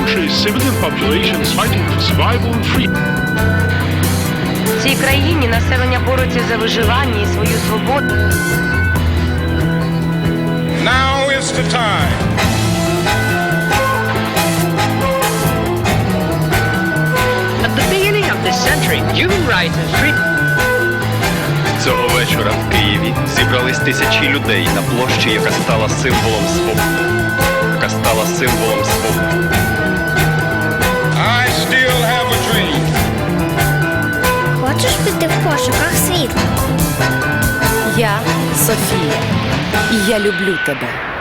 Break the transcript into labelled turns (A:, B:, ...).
A: country's civilian population is fighting for survival and freedom.
B: В цій країні населення бореться за виживання і свою свободу.
C: Now is the time.
D: At the beginning of this century, human rights and freedom.
E: Цього вечора в Києві зібрались тисячі людей на площі, яка стала символом свободи.
C: I still have a dream.
F: Хочеш піти в пошуках світла?
G: Я Софія, і я люблю тебе.